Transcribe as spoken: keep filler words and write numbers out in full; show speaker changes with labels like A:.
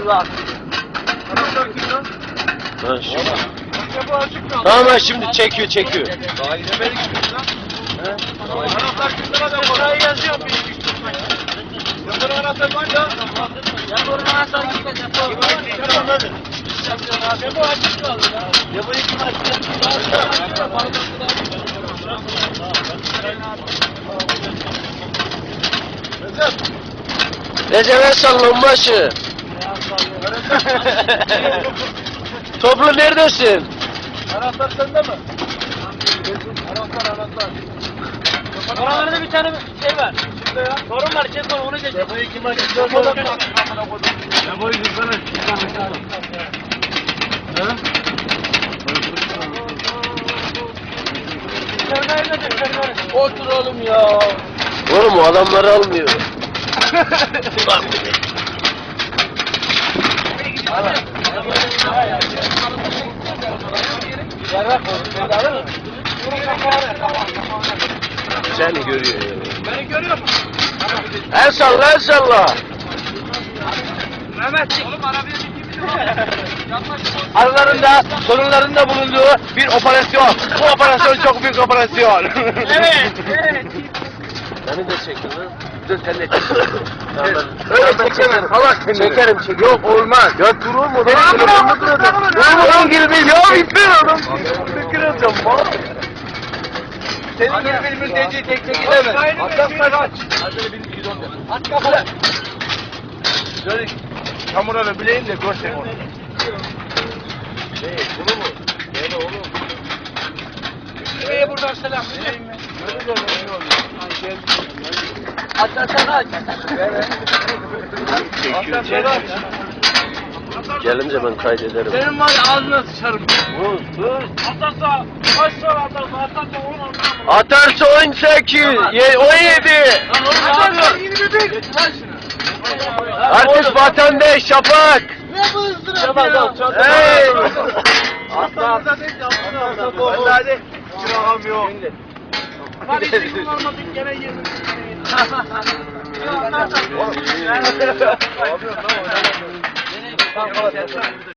A: Allah.
B: Anahtar kim lan?
C: Ha, şimdi.
B: Ya bu açık mı?
C: Tamam şimdi çekiyor çekiyor.
B: Daha inemedik mi lan? He? Anahtar kimde lan? Ben buraya yazıyorum. Bir iki üç dört beş. Yanların anahtarı var ya.
A: Yanların anahtarı gitmez.
B: Tamam hadi. Ya bu açık kaldı ya.
A: Ya bu iki maç.
B: Recep.
C: Recep'e sallın başı. Toplu neredesin?
B: Anahtar sende mi? Anahtar anahtar.
A: Oralarda bir tane şey var.
B: Kimde ya?
A: Sorun var, şey sorun, onu geç.
B: Ya bu iki maç dört oldu. Ya bu iki sana.
A: Otur oğlum ya.
C: Oğlum o adamları almıyor. Bak. Seni görüyor ya.
B: Beni görüyor musun?
C: El salla el salla.
B: Mehmet. Oğlum arabaya bir kimse
C: Aralarında sorunlarında bulunduğu bir operasyon. Bu operasyon çok büyük operasyon.
A: Evet, evet.
C: Beni de çekin lan. Dur sen de çek. Öyle çekemem. Salak kendini. Çekerim çekerim. Yok olmaz. Ya durur mu? Benim telefonumu kıracağım. Durur mu? Girbil. Ya bitmiyor adam. Ne kıracağım? Senin gibi bir mülteci tek tek gidemez.
B: Atlasana kaç. Hadi bir bidon de.
A: At kafanı.
B: Şöyle çamurları bileyim de görsem onu. Ne? Bunu mu? Ne oğlum?
A: Şuraya buradan selam vereyim mi?
B: Öyle de ne oluyor?
A: Aç aç aç.
B: Atlasana kaç.
C: Gelince ben kaydederim.
A: Senin var ya ağzına sıçarım.
C: Vur vur.
A: Atarsa, kaç sonra atarsa, atarsa on on.
C: Atarsa on sekiz, ye- on yedi.
A: Atarsa
B: yirmi bir. Getir lan şunu.
C: Artist vatandaş şafak.
A: ne bu ızdırap
B: Tamam
A: ya?
B: tamam. çok-
C: Hey.
B: Atla. Atla. Hadi. Çırağım yok.
A: Hadi hiç kullanmadık gene yemin.
B: Oğlum, iyi. Ne yapıyorsun lan?
A: Tamam,